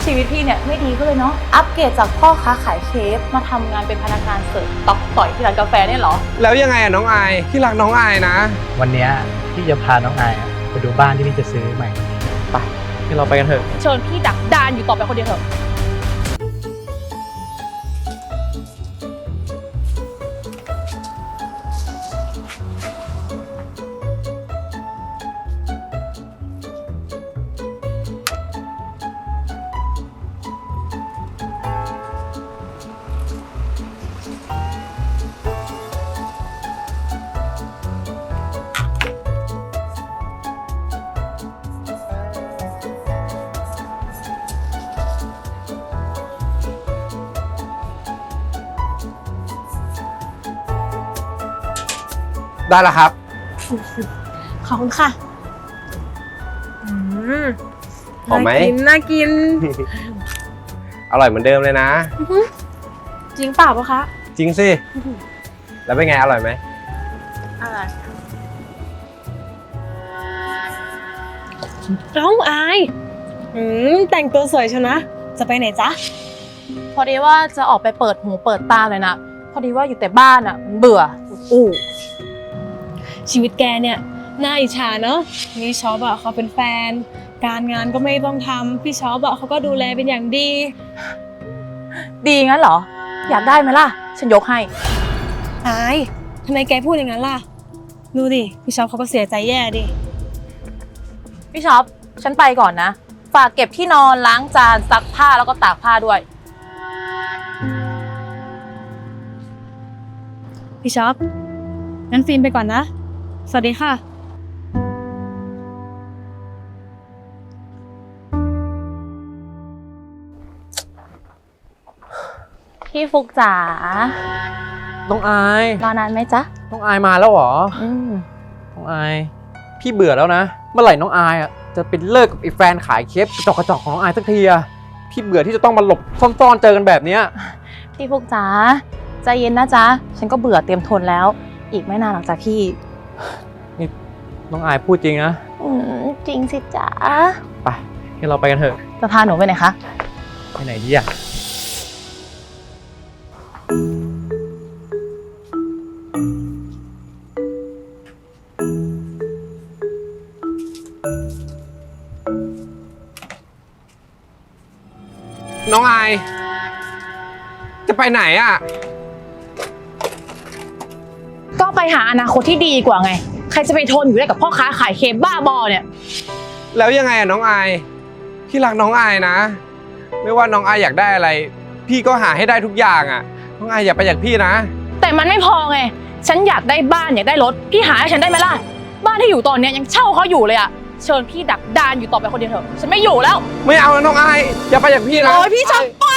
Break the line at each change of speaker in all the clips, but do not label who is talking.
ชีวิตพี่เนี่ยไม่ดีก็เลยเนาะอัปเกรดจากพ่อค้าขายเคฟมาทำงานเป็นพนักงานเสิร์ฟตอกต่อยที่ร้านกาแฟเนี่ยเหรอ
แล้วยังไงอะน้องอายที่รักน้องอายนะ
วันนี้พี่จะพาน้องอายไปดูบ้านที่พี่จะซื้อใหม่ไปที่เราไปกันเถอะ
เชิญพี่ดักดานอยู่ต่อไปคนเดียวเถอะ
ได้แล้วครับ
ขอบคุณค่ะ
หอมไหม
น่ากิน
อร่อยเหมือนเดิมเลยนะ
จริงเปล่าปะคะ
จริงสิแล้วเป็นไงอร่อยไหม
อร่อยน้องอายแต่งตัวสวยชนะจะไปไหนจ๊ะพอดีว่าจะออกไปเปิดหูเปิดตาเลยนะพอดีว่าอยู่แต่บ้านอ่ะเบื่อ
ชีวิตแกเนี่ยน่าอิจฉาเนอะพี่ช็อปอะเขาเป็นแฟนการงานก็ไม่ต้องทำพี่ช็อปอะเขาก็ดูแลเป็นอย่างดี
งั้นเหรออยากได้ไหมล่ะฉันยกให้
อายทำไมแกพูดอย่างนั้นล่ะดูดิพี่ช็อปเขาก็เสียใจแย่ดิ
พี่ช็อปฉันไปก่อนนะฝากเก็บที่นอนล้างจานซักผ้าแล้วก็ตากผ้าด้วย
พี่ช็อปงั้นฟิล์มไปก่อนนะสวัสดีค่ะ
พี่ฟุกจ๋า
น้องอาย
รอนานไหมจ๊ะ
น้องอายมาแล้วเหรอน้องอายพี่เบื่อแล้วนะเมื่อไหร่น้องอายอ่ะจะเป็นเลิกกับไอ้แฟนขายเคฟกระจอกของน้องอายสักทีอะพี่เบื่อที่จะต้องมาหลบซ่อนๆเจอกันแบบเนี้ย
พี่ฟุกจ๋าใจเย็นนะจ๊ะฉันก็เบื่อเตรียมทนแล้วอีกไม่นานหรอกจ้ะพี่
นี่น้องอายพูดจริงนะ
จริงสิจ๊ะ
ไปงั้นเราไปกันเถอะ
จะพาหนูไปไหนคะ
ไปไหนดีอะ
น้องอายจะไปไหนอ่ะ
ก็ไปหาอนาคตที่ดีกว่าไงใครจะไปทนอยู่ได้กับพ่อค้าขายเคฟบ้าบอเนี่ย
แล้วยังไงอะน้องอายที่รักน้องอายนะไม่ว่าน้องอายอยากได้อะไรพี่ก็หาให้ได้ทุกอย่างอ่ะน้องอายอย่าไปจากพี่นะ
แต่มันไม่พอไงฉันอยากได้บ้านอยากได้รถพี่หาให้ฉันได้ไหมล่ะบ้านที่อยู่ตอนนี้ยังเช่าเขาอยู่เลยอะเชิญพี่ดักดานอยู่ต่อไปคนเดียวเถอะฉันไม่อยู่แล้ว
ไม่เอานะน้องอายอย่าไปจากพี่นะ
โอ้ยพี่จะไป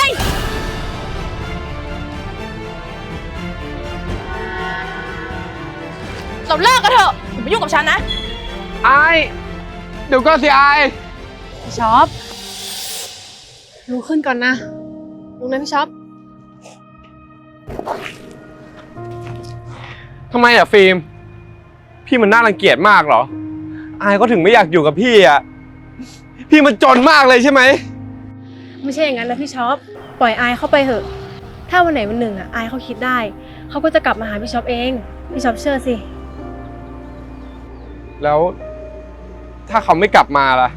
เราเลิกกันเถอะอย่ามายุ่งกับฉันนะ
อายเดี๋ยวก็สิอาย
พี่ช็อปลุกขึ้นก่อนนะลุกนะพี่ช็อป
ทำไมอะฟิล์มพี่มันน่ารังเกียจมากเหรออายก็ถึงไม่อยากอยู่กับพี่อะพี่มันจนมากเลยใช่ไหม
ไม่ใช่อย่างนั้นนะพี่ช็อปปล่อยอายเข้าไปเถอะถ้าวันไหนวันหนึ่งอะอายเขาคิดได้เขาก็จะกลับมาหาพี่ช็อปเองพี่ช็อปเชื่อสิ
แล้วถ้าเขาไม่กลับมาล่ะ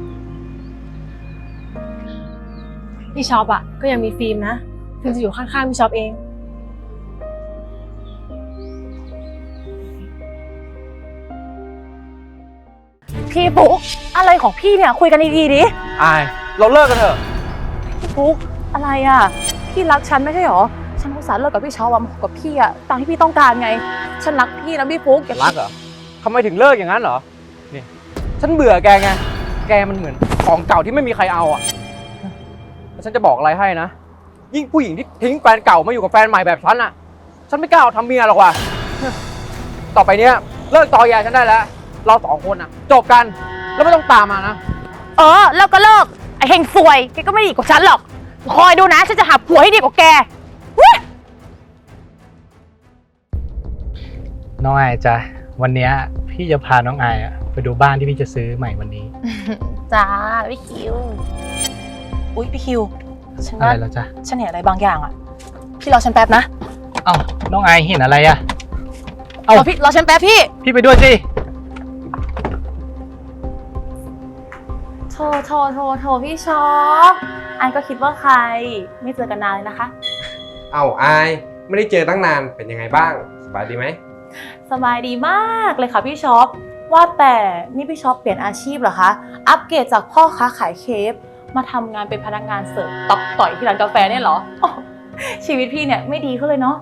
พี่ช็อปอะก็ยังมีฟิล์มนะฟิล์มจะอยู่ข้างๆพี่ช็อปเอง
พี่ปุ๊กอะไรของพี่เนี่ยคุยกันดีๆดิ
อายเราเลิกกันเถอะ
พี่ปุ๊กอะไรอ่ะพี่รักฉันไม่ใช่หรอฉันอุตส่าห์เลิกกับพี่ช็อปมากับพี่อ่ะตามที่พี่ต้องการไงฉันรักพี่นะพี่ปุ๊ก
รักเหรอทำไมถึงเลิกอย่างนั้นเหรอนี่ฉันเบื่อแกไงแกมันเหมือนของเก่าที่ไม่มีใครเอาอ่ะฉันจะบอกอะไรให้นะยิ่งผู้หญิงที่ทิ้งแฟนเก่ามาอยู่กับแฟนใหม่แบบฉันอ่ะฉันไม่กล้าทำเมียหรอกว่ะต่อไปเนี้ยเลิกตอแยฉันได้แล้วเราสองคนอ่ะจบกันแล้วไม่ต้องตามมานะ
เลิกก็เลิกไอ้เฮงซวยแกก็ไม่ดีกว่าฉันหรอกคอยดูนะฉันจะหาผัวให้ดีกว่าแก
น้องอายจ้ะวันนี้พี่จะพาน้องอายไปดูบ้านที่พี่จะซื้อใหม่วันนี้
จ้าพี่คิวอุ๊ยพี่คิว ฉัน
อะ
ว่า
ไรแล้วจ๊ะ
ฉันเห็นอะไรบางอย่างอ่ะ พี่รอฉันแป๊บนะ
เอ้าน้องไอเห็นอะไรอะ
พี่รอฉันแป๊บพี่
พี่ไปด้วยสิ
โทพี่ช็อปอันก็คิดว่าใคร ไม่เจอกันนานเลยนะคะ
เอาอายไม่ได้เจอตั้งนานเป็นยังไงบ้างสบายดีไหม
สบายดีมากเลยค่ะพี่ช็อป ว่าแต่นี่พี่ช็อปเปลี่ยนอาชีพเหรอคะ อัปเกรดจากพ่อค้าขายเคฟมาทำงานเป็นพนักงานเสิร์ฟตอกต่อยที่ร้านกาแฟเนี่ยเหรออ๋อชีวิตพี่เนี่ยไม่ดีขึ้นเลยเนาะ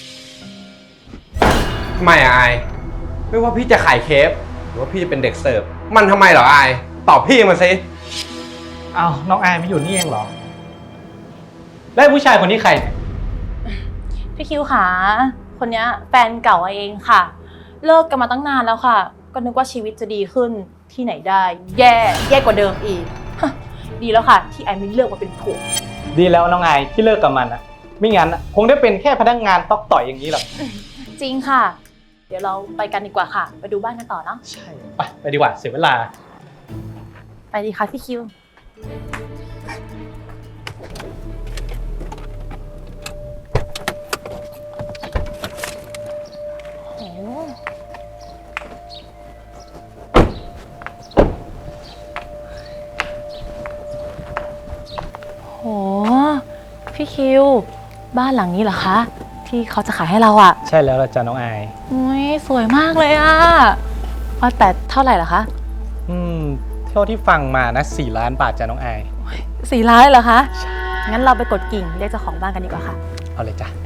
ทำไมอะอายไม่ว่าพี่จะขายเคฟหรือว่าพี่จะเป็นเด็กเสิร์ฟมันทำไมเหรออายตอบพี่มาสิ
เอ้าน้องไอไม่อยู่นี่เองเหรอ แล้วผู้ชายคนนี้ใคร
พี่คิวขาคนเนี้ยแฟนเก่าเองค่ะ เลิกกันมาตั้งนานแล้วค่ะ ก็นึกว่าชีวิตจะดีขึ้นที่ไหนได้ แย่กว่าเดิมอีกฮะดีแล้วค่ะ ที่ไอไม่เลือกมาเป็นผัว
ดีแล้วน้องไอที่เลิกกับมันอะไม่งั้นอะคงได้เป็นแค่พนักงานตอกต่อยอย่างนี้หรอก
จริงค่ะ เดี๋ยวเราไปกันดีกว่าค่ะ ไปดูบ้านกันต่อเนาะ
ใช่ไปดีกว่าเสียเวลา
ไปดีค่ะพี่คิว โห พี่คิว บ้านหลังนี้เหรอคะ ที่เขาจะขายให้เราอะ
ใช่แล้วล่ะจ้ะน้องไอ
อุ้ยสวยมากเลยอะว่าแต่เท่าไหร่เหรอคะ
เท่าที่ฟังมานะ4 ล้านบาทจ้ะน้องไอ
4 ล้านเหรอคะ งั้นเราไปกดกิ่งเรียกเจ้าของบ้านกันดีกว่าค่ะ
เอาเลยจ้ะ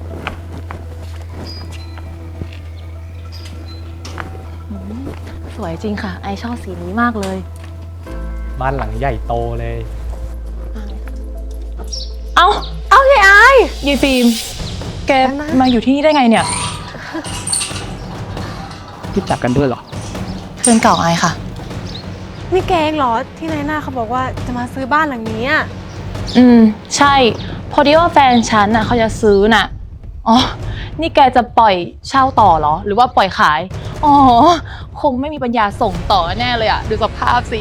สวยจริงค่ะ ไอชอบสีนี้มากเลย
บ้านหลังใหญ่โตเลย
เอายายไอายฟิล์ม แกมาอยู่ที่นี่ได้ไงเนี่ย
รู้จักกันด้วยเหรอ
เพื่อนเก่าไอายค่ะ
นี่แกเองเหรอที่นายหน้าเขาบอกว่าจะมาซื้อบ้านหลังนี้อะ
ใช่ พอดีว่าแฟนฉันน่ะเขาจะซื้อน่ะ อ๋อ นี่แกจะปล่อยเช่าต่อเหรอ หรือว่าปล่อยขาย อ๋อ คงไม่มีปัญญาส่งต่อแน่เลยอะดูสภาพสิ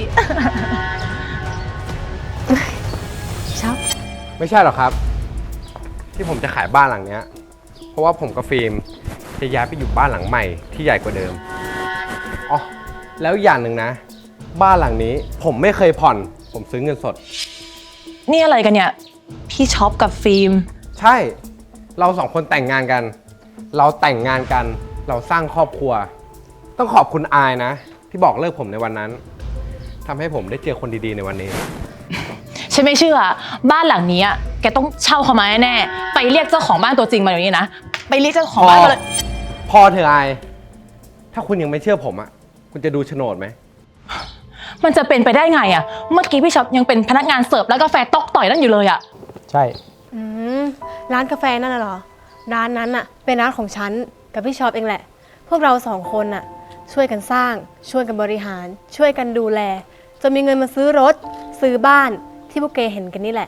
ช็อป
ไม่ใช่หรอกครับ ที่ผมจะขายบ้านหลังเนี้ยเพราะว่าผมกับฟิล์มจะย้ายไปอยู่บ้านหลังใหม่ที่ใหญ่กว่าเดิมอ๋อแล้วอย่างหนึ่งนะ บ้านหลังนี้ผมไม่เคยผ่อน ผมซื้อเงินสด
นี่อะไรกันเนี่ย พี่ช็อปกับฟิล์ม
ใช่ เราสองคนแต่งงานกัน เราแต่งงานกัน เราสร้างครอบครัว ต้องขอบคุณอายนะ ที่บอกเลิกผมในวันนั้นทำให้ผมได้เจอคนดีๆในวันนี้
ฉันไม่เชื่อ บ้านหลังนี้อะแกต้องเช่าเขามาแน่ๆไปเรียกเจ้าของบ้านตัวจริงมาเดี๋ยวนี้นะ ไปเรียกเจ้าของบ้านมาเลย
พอเถอะอาย ถ้าคุณยังไม่เชื่อผมอ่ะ คุณจะดูโฉนดไหม
มันจะเป็นไปได้ไงอะเมื่อกี้พี่ช็อปยังเป็นพนักงานเสิร์ฟแล้วกาแฟตอกต่อยนั่นอยู่เลยอะ
ใช่
ร้านกาแฟนั่นน่ะเหรอ ร้านนั้นน่ะเป็นร้านของฉันกับพี่ช็อปเองแหละ พวกเรา2 คนน่ะช่วยกันสร้าง ช่วยกันบริหาร ช่วยกันดูแลจนมีเงินมาซื้อรถ ซื้อบ้านที่พวกแกเห็นกันนี่แหละ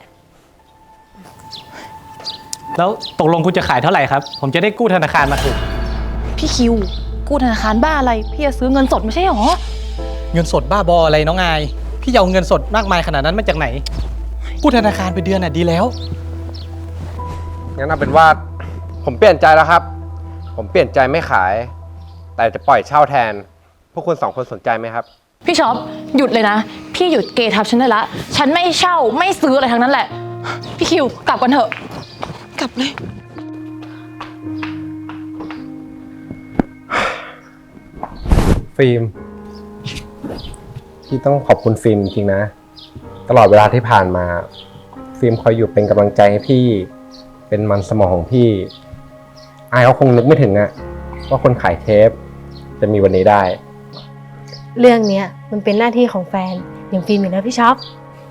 แล้วตกลงคุณจะขายเท่าไหร่ครับ ผมจะได้กู้ธนาคารมาถูก
พี่คิว กู้ธนาคารบ้าอะไร พี่จะซื้อเงินสดไม่ใช่หรอ
เงินสดบ้าบออะไรน้องอาย พี่จะเอาเงินสดมากมายขนาดนั้นมาจากไหน กู้ธนาคารไปเดือนน่ะดีแล้ว
งั้นเอาเป็นว่าผมเปลี่ยนใจแล้วครับ ผมเปลี่ยนใจไม่ขาย แต่จะปล่อยเช่าแทน พวกคุณ2 คนสนใจไหมครับ
พี่ช็อปหยุดเลยนะ พี่หยุดเกทับฉันได้ละ ฉันไม่เช่าไม่ซื้ออะไรทั้งนั้นแหละ พี่คิวกลับกันเถอะ กลับเลย
ฟิล์มพี่ต้องขอบคุณฟิล์มจริงๆนะ ตลอดเวลาที่ผ่านมา ฟิล์มคอยอยู่เป็นกำลังใจให้พี่ เป็นมันสมองของพี่อายเขาคงนึกไม่ถึงอะว่าคนขายเทปจะมีวันนี้ได้
เรื่องเนี้ยมันเป็นหน้าที่ของแฟนอย่างฟิล์มอยู่แล้วพี่ช็อป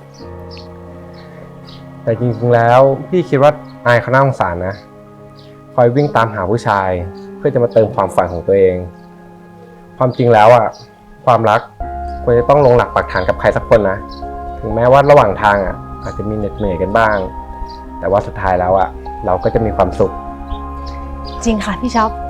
แต่จริงๆแล้วพี่คิดว่าอายเขาน่าสงสารนะ คอยวิ่งตามหาผู้ชาย เพื่อจะมาเติมความฝันของตัวเอง ความจริงแล้วอ่ะความรักควรจะต้องลงหลักปักฐานกับใครสักคนนะ ถึงแม้ว่าระหว่างทางอ่ะอาจจะมีเหน็ดเหนื่อยกันบ้าง แต่ว่าสุดท้ายแล้วอ่ะเราก็จะมีความสุข
จริงค่ะพี่ช็อป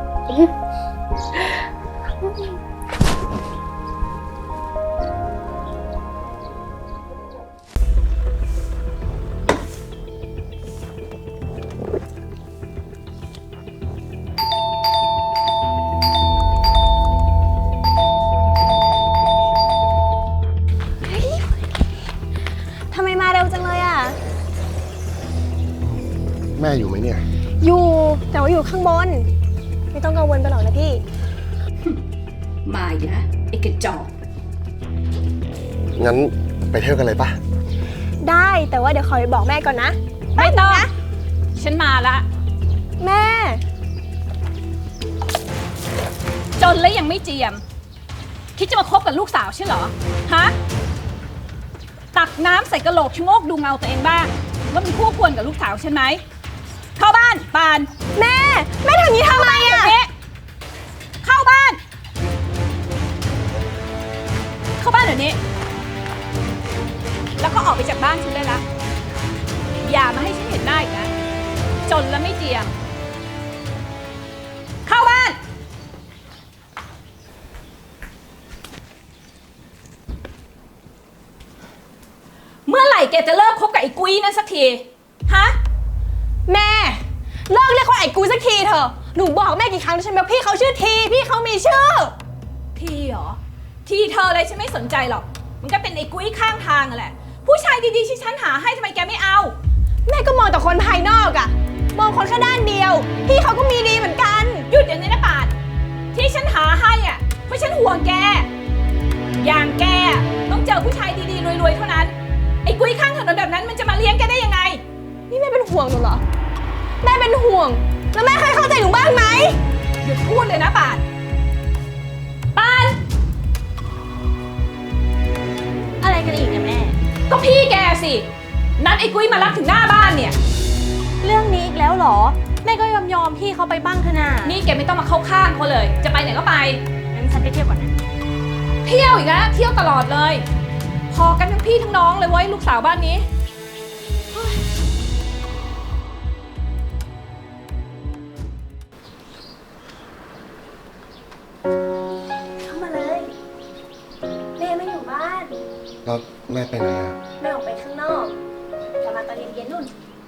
แม่อยู่ไหมเนี่ย
อยู่แต่ว่าอยู่ข้างบน ไม่ต้องกังวลไปหรอกนะพี่
มาอีกแล้วไอ้กระจอก
งั้นไปเที่ยวกันเลยปะ
ได้แต่ว่าเดี๋ยวขอไปบอกแม่ก่อนนะ
ไม่ต้องฉันมาละ
แม่
จนแล้วยังไม่เจียม คิดจะมาคบกับลูกสาวใช่เหรอ ฮะ ตักน้ำใส่กระโหลกชะโงกดูเงาตัวเองบ้างว่ามันคู่ควรกับลูกสาวฉันไหม เข้าบ้านปาน
แม่ทำอย่างนี้ทำไมอะ
เอ๊ะเข้าบ้าน เข้าบ้านเดี๋ยวนี้ แล้วก็ออกไปจากบ้านฉันเลยละอย่ามาให้ฉันเห็นหน้าอีกนะ จนแล้วไม่เจียม เข้าบ้าน เมื่อไหร่แกจะเลิกคบกับไอ้กุ้ยนั่นสักที ฮะ
แม่เลิกเรียกเขาไอ้กูสักทีเถอะหนูบอกแม่กี่ครั้งแล้วใช่ไหมว่าพี่เขาชื่อทีพี่เขามีชื่อ
ทีเหรอ ทีเธออะไรฉันไม่สนใจหรอก มันก็เป็นไอ้กุ้ยข้างทางอะแหละ ผู้ชายดีๆที่ฉันหาให้ทำไมแกไม่เอา
แม่ก็มองแต่คนภายนอกอะมองคนแค่ด้านเดียว พี่เขาก็มีดีเหมือนกัน
หยุดเดี๋ยวนี้นะปาดที่ฉันหาให้อ่ะเพราะฉันห่วงแก อย่างแกอะต้องเจอผู้ชายดีๆรวยๆเท่านั้น ไอ้กุ้ยข้างถนนแบบนั้นมันจะมาเลี้ยงแกได้ยังไง
นี่แม่เป็นห่วงหนูเหรอแม่เป็นห่วงแล้วแม่เคยเข้าใจหนูบ้างไหม
หยุดพูดเลยนะปาดปาด
อะไรกันอีกเนี่ยแม่
ก็พี่แกสิ นัดไอ้กุ้ยมารับถึงหน้าบ้านเนี่ย
เรื่องนี้อีกแล้วเหรอ แม่ก็ยอมพี่เขาไปบ้างเถอะนะ
นี่แกไม่ต้องมาเข้าข้างเขาเลย จะไปไหนก็ไป
งั้นฉันไปเที่ยวก่อนนะ
เที่ยวอีกแล้วเที่ยวตลอดเลย พอกันทั้งพี่ทั้งน้องเลยเว้ยลูกสาวบ้านนี้
เข้ามาเลยแม่ไม่อยู่บ้าน
แล้วแม่ไปไหนอะ
แม่ออกไปข้างนอกกลับมาตอนเย็นๆนู่น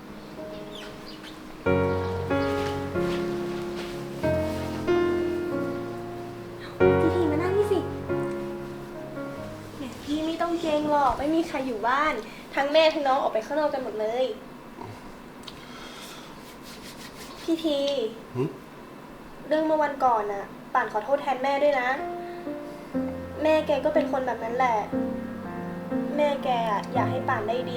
พี่มานั่งนี่สิแหมพี่ไม่ต้องเกรงหรอกไม่มีใครอยู่บ้าน ทั้งแม่ทั้งน้องออกไปข้างนอกกันหมดเลย พี่ที
หึ
เรื่องเมื่อวันก่อนน่ะ ป่านขอโทษแทนแม่ด้วยนะ แม่แกก็เป็นคนแบบนั้นแหละ แม่แกอะอยากให้ป่านได้ดี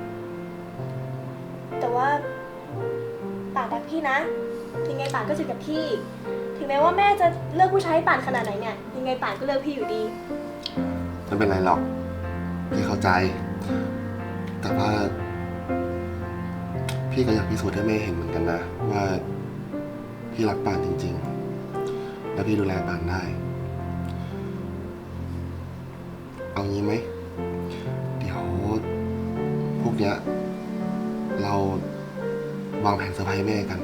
แต่ว่าป่านรักพี่นะ ยังไงป่านก็จะกับพี่ ถึงแม้ว่าแม่จะเลือกผู้ชายให้ป่านขนาดไหนเนี่ย ยังไงป่านก็เลือกพี่อยู่ดี
ไม่เป็นไรหรอก พี่เข้าใจ แต่ว่า พี่ก็อยากพิสูจน์ให้แม่เห็นเหมือนกันนะ ว่าพี่รักปานจริงๆ และพี่ดูแลปานได้ เอางี้ไหม เดี๋ยวพวกเนี้ยเราวางแผนเซอร์ไพรส์แม่กัน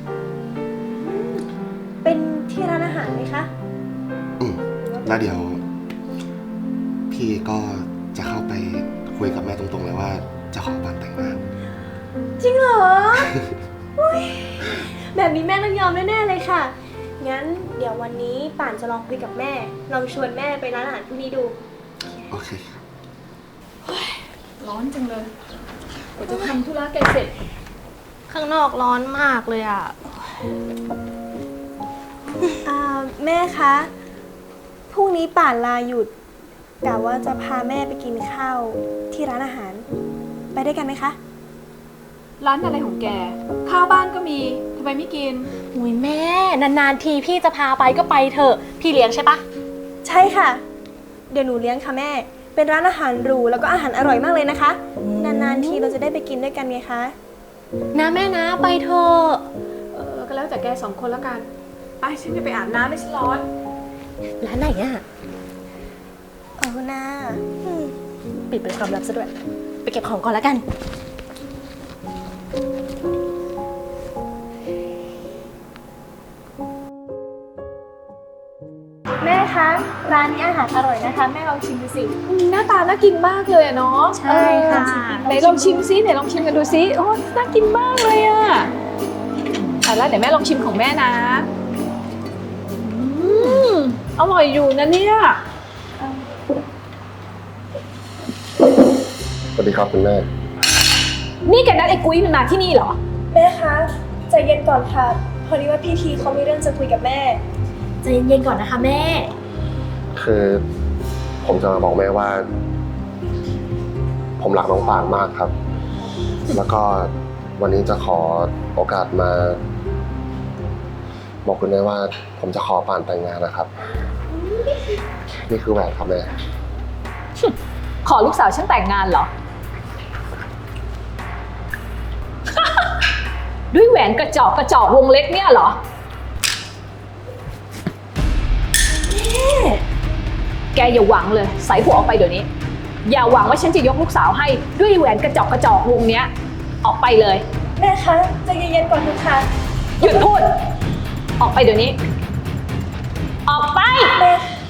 เป็นที่ร้านอาหารไหมคะ
แล้วเดี๋ยว พี่ก็จะเข้าไปคุยกับแม่ตรงๆเลยว่าจะขอปานแต่งงาน
จริงเหรอ อุ๊ยแบบนี้แม่ต้องยอมแน่ๆเลยค่ะ งั้นเดี๋ยววันนี้ป่านจะลองคุยกับแม่ ลองชวนแม่ไปร้านอาหารพรุ่งนี้ดู
โอเค
ร้อนจังเลยกว่าจะทำธุระแกเสร็จ
ข้างนอกร้อนมากเลยอ่ะ แม่คะ พรุ่งนี้ป่านลาหยุดกะว่าจะพาแม่ไปกินข้าวที่ร้านอาหาร ไปด้วยกันไหมคะ
ร้านอะไรของแก ข้าวบ้านก็มีทำไมไม่กิน
อุ้ยแม่ นานๆทีพี่จะพาไปก็ไปเถอะ พี่เลี้ยงใช่ปะ
ใช่ค่ะ เดี๋ยวหนูเลี้ยงค่ะแม่ เป็นร้านอาหารหรูแล้วก็อาหารอร่อยมากเลยนะคะ นานๆทีเราจะได้ไปกินด้วยกันไงคะ
นะแม่นะไปเถอะ
ก็แล้วแต่แกสองคนแล้วกัน ไปฉันจะไปอาบน้ำไม่ฉันร้อน
ร้านไหนอะ
เอาหน้า
ปิดเป็นความลับซะด้วย ไปเก็บของก่อนแล้วกัน
แม่คะ ร้านนี้อาหารอร่อยนะคะ แม่ลองชิมดูสิ
หน้าตาน่ากินมากเลยอะเนาะ
ใช่ค่ะ
ไหนลองชิมซิไหนลองชิมกันดูซิโอ้น่ากินมากเลยอะแล้วเดี๋ยวแม่ลองชิมของแม่นะอร่อยอยู่นะเนี่ย
สวัสดีครับคุณแม่
นี่แกนัดไอ้กุ้ยมันมาที่นี่เหรอ
แม่คะใจเย็นก่อนค่ะ พอดีว่าพี่ทีเขามีเรื่องจะคุยกับแม่
ใจเย็นๆก่อนนะคะแม่
คือผมจะมาบอกแม่ว่า ผมรักน้องป่านมากครับ แล้วก็วันนี้จะขอโอกาสมา บอกคุณแม่ว่า ผมจะขอป่านแต่งงานนะครับ นี่คือแหวนครับแม่
ขอลูกสาวฉันแต่งงานเหรอ ด้วยแหวนกระจอกวงเล็กเนี่ยเหรอ แกอย่าหวังเลยใส่หัวออกไปเดี๋ยวนี้ อย่าหวังว่าฉันจะยกลูกสาวให้ด้วยแหวนกระจอกวงเนี้ย ออกไปเลย
แม่คะใจเย็นๆก่อนเถอะค่ะ
หยุดพูด ออกไปเดี๋ยวนี้ ออกไป
แม่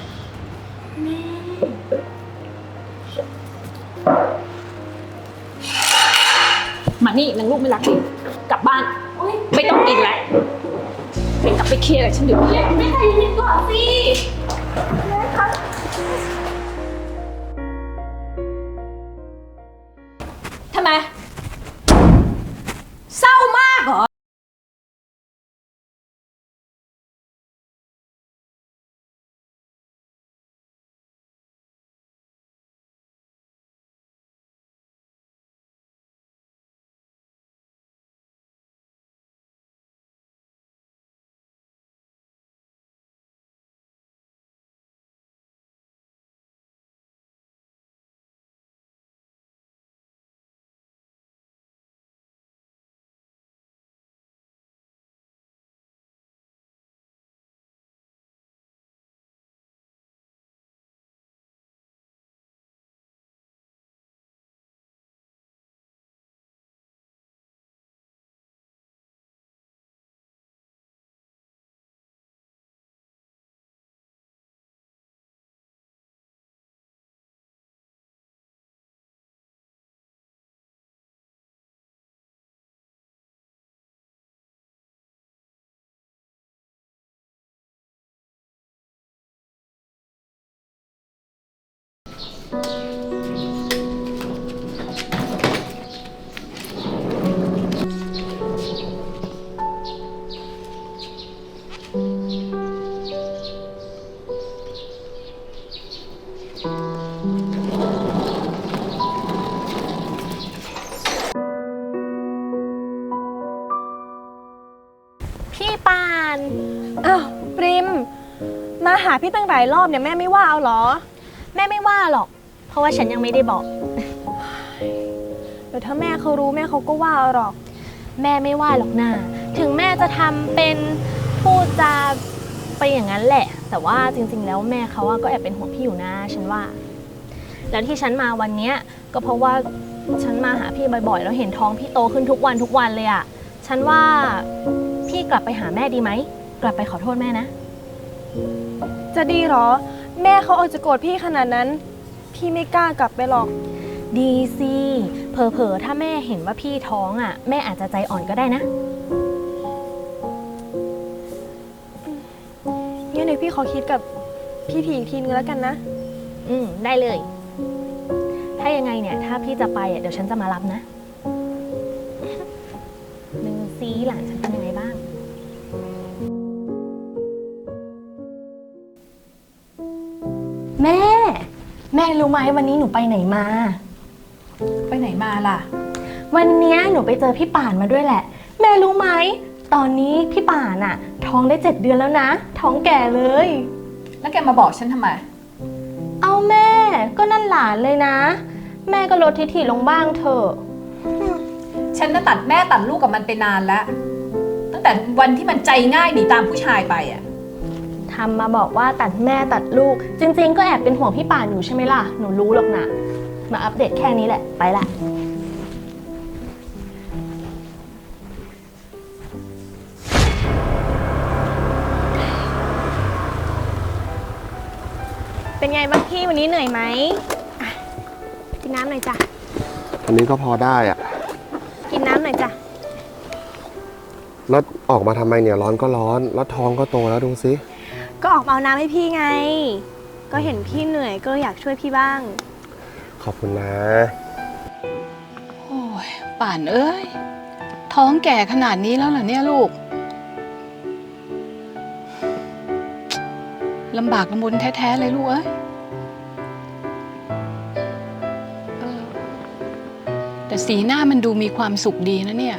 มานี่นางลูกไม่รักจริงกลับบ้าน ไม่ต้องกินแล้วไปกลับไปเคลียร์กับฉันเดี๋ยวนี้แม่ใจเย็นๆก่อนสิแม่คะทำไม เศร้ามากเหรอ
พี่ปานอ้าวปริม มาหาพี่ตั้งหลายรอบเนี่ยแม่ไม่ว่าเอาเหรอ
แม่ไม่ว่าหรอก เพราะว่าฉันยังไม่ได้บอก
เดี๋ยวถ้าแม่เขารู้แม่เขาก็ว่าเอาหรอก
แม่ไม่ว่าหรอกนะถึงแม่จะทำเป็นพูดจาไปอย่างนั้นแหละ แต่ว่าจริงๆแล้วแม่เขาก็แอบเป็นห่วงพี่อยู่นะฉันว่า แล้วที่ฉันมาวันเนี้ยก็เพราะว่าฉันมาหาพี่บ่อยๆแล้วเห็นท้องพี่โตขึ้นทุกวันเลยอะฉันว่าพี่กลับไปหาแม่ดีไหมกลับไปขอโทษแม่นะ
จะดีเหรอ แม่เขาอาจจะโกรธพี่ขนาดนั้น พี่ไม่กล้ากลับไปหรอก
ดีสิเผลอๆถ้าแม่เห็นว่าพี่ท้องอ่ะแม่อาจจะใจอ่อนก็ได้นะ
งั้นเดี๋ยวพี่ขอคิดกับพี่ทีอีกทีนึงแล้วกันนะ
ได้เลย ถ้ายังไงเนี่ยถ้าพี่จะไปเดี๋ยวฉันจะมารับนะดูซิหลานฉันเป็นยังไงบ้างแม่รู้ไหมวันนี้หนูไปไหนมา
ไปไหนมาล่ะ
วันเนี้ยหนูไปเจอพี่ป่านมาด้วยแหละ แม่รู้ไหมตอนนี้พี่ป่านอะท้องได้7 เดือนแล้วนะ ท้องแก่เลย
แล้วแกมาบอกฉันทำไม
เอาแม่ก็นั่นหลานเลยนะ แม่ก็ลดทิฐิลงบ้างเถอะ
ฉันน่ะตัดแม่ตัดลูกกับมันไปนานแล้ว ตั้งแต่วันที่มันใจง่ายหนีตามผู้ชายไปอ่ะ
ทำมาบอกว่าตัดแม่ตัดลูก จริงๆก็แอบเป็นห่วงพี่ป่านอยู่ใช่ไหมล่ะ หนูรู้หรอกนะมาอัปเดตแค่นี้แหละ ไปละ
เป็นไงบ้างพี่วันนี้เหนื่อยไหมอ่ะกินน้ำหน่อยจ้ะ
อันนี้ก็พอได้อะ
กินน้ำหน่อยจ้ะ
แล้วออกมาทำไมเนี่ยร้อนก็ร้อน แล้วท้องก็โตแล้วดูสิ
ก็ออกมาเอาน้ำให้พี่ไง ก็เห็นพี่เหนื่อยก็อยากช่วยพี่บ้าง
ขอบคุณนะ
โอ้ยป่านเอ้ย ท
ท้องแก่ขนาดนี้แล้วเหรอเนี่ยลูกลำบากลำบนแท้ๆเลยลูกเอ้ยแต่สีหน้ามันดูมีความสุขดีนะเนี่ย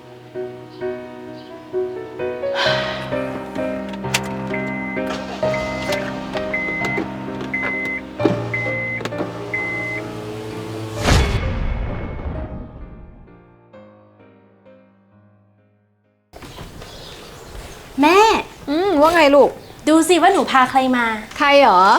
แม่
ว่าไงลูก
ดูสิว่าหนูพาใครมา
ใครเหรอ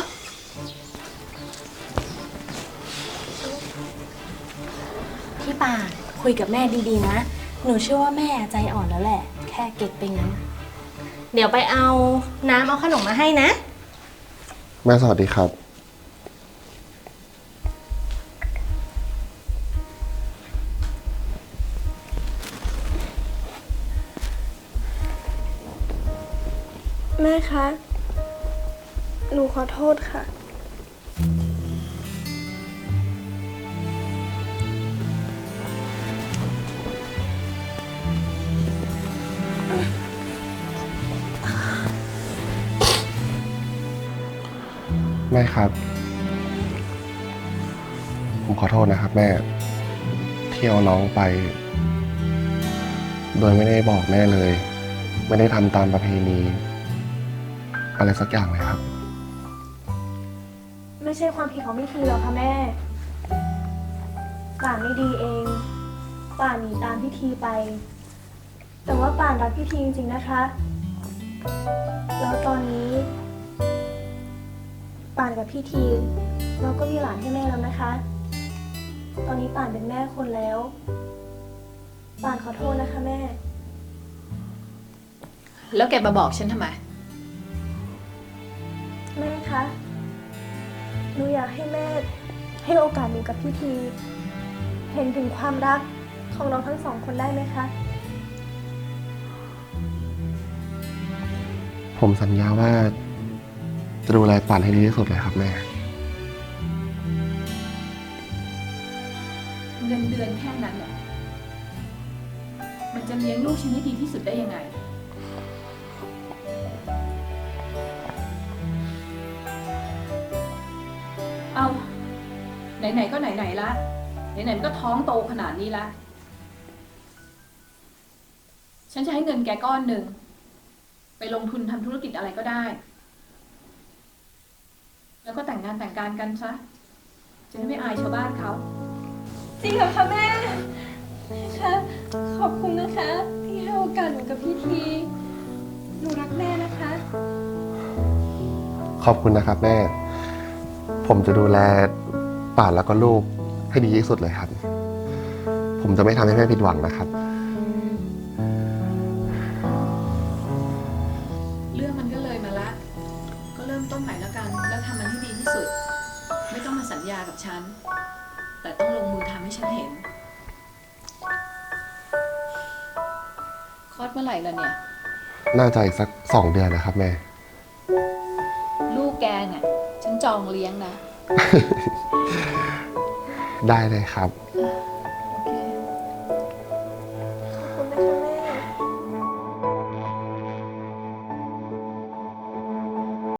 พี่ป่านคุยกับแม่ดีๆนะ หนูเชื่อว่าแม่ใจอ่อนแล้วแหละ แค่เก็ตไปงั้น เดี๋ยวไปเอาน้ำเอาขนมมาให้นะ
แม่สวัสดีครับ
แม่คะ หนูขอโทษค่ะ
แม่ครับ ผมขอโทษนะครับแม่ที่เอาน้องไป โดยไม่ได้บอกแม่เลย ไม่ได้ทำตามประเพณี อะไรสักอย่างเลยครับ
ไม่ใช่ความผิดของพี่ทีหรอกค่ะแม่ ป่านไม่ดีเอง ป่านหนีตามพี่ทีไป แต่ว่าป่านรักพี่ทีจริงๆนะคะ แล้วตอนนี้ ป่านกับพี่ทีเราก็มีหลานให้แม่แล้วนะคะ ตอนนี้ป่านเป็นแม่คนแล้ว ป่านขอโทษนะคะแม่
แล้วแกมาบอกฉันทำไม
แม่คะ หนูอยากให้แม่ให้โอกาสหนูกับพี่ที เห็นถึงความรักของเราทั้งสองคนได้ไหมคะ
ผมสัญญาว่า จะดูแลป่านให้ดีที่สุดเลยครับแม่
เงินเดือนแค่นั้นเนี่ยมันจะเลี้ยงลูกฉันให้ดีที่สุดได้ยังไง เอาไหนๆก็ไหนๆละไหนๆมันก็ท้องโตขนาดนี้ละฉันจะให้เงินแกก้อนหนึ่งไปลงทุนทำธุรกิจอะไรก็ได้ แล้วก็แต่งงานแต่งการกันซะจะได้ไม่อายชาวบ้านเขา
จริงเหรอคะแม่คะขอบคุณนะคะ ที่ให้โอกาสหนูกับพี่ที หนูรักแม่นะคะ
ขอบคุณนะครับแม่ ผมจะดูแลป่านแล้วก็ลูกให้ดีที่สุดเลยครับ ผมจะไม่ทำให้แม่ผิดหวังนะครับ
เรื่องมันก็เลยมาละ ก็เริ่มต้นใหม่แล้วกัน แล้วทำมันให้ดีที่สุด ไม่ต้องมาสัญญากับฉัน แต่ต้องลงมือทำให้ฉันเห็น คลอดเมื่อไหร่ล่ะเนี่ย
น่าจะอีกสัก2 เดือนนะครับแม่
ลูกแกเนี่ยฉันจองเลี้ยงนะ
ได้เลยครับ
เออ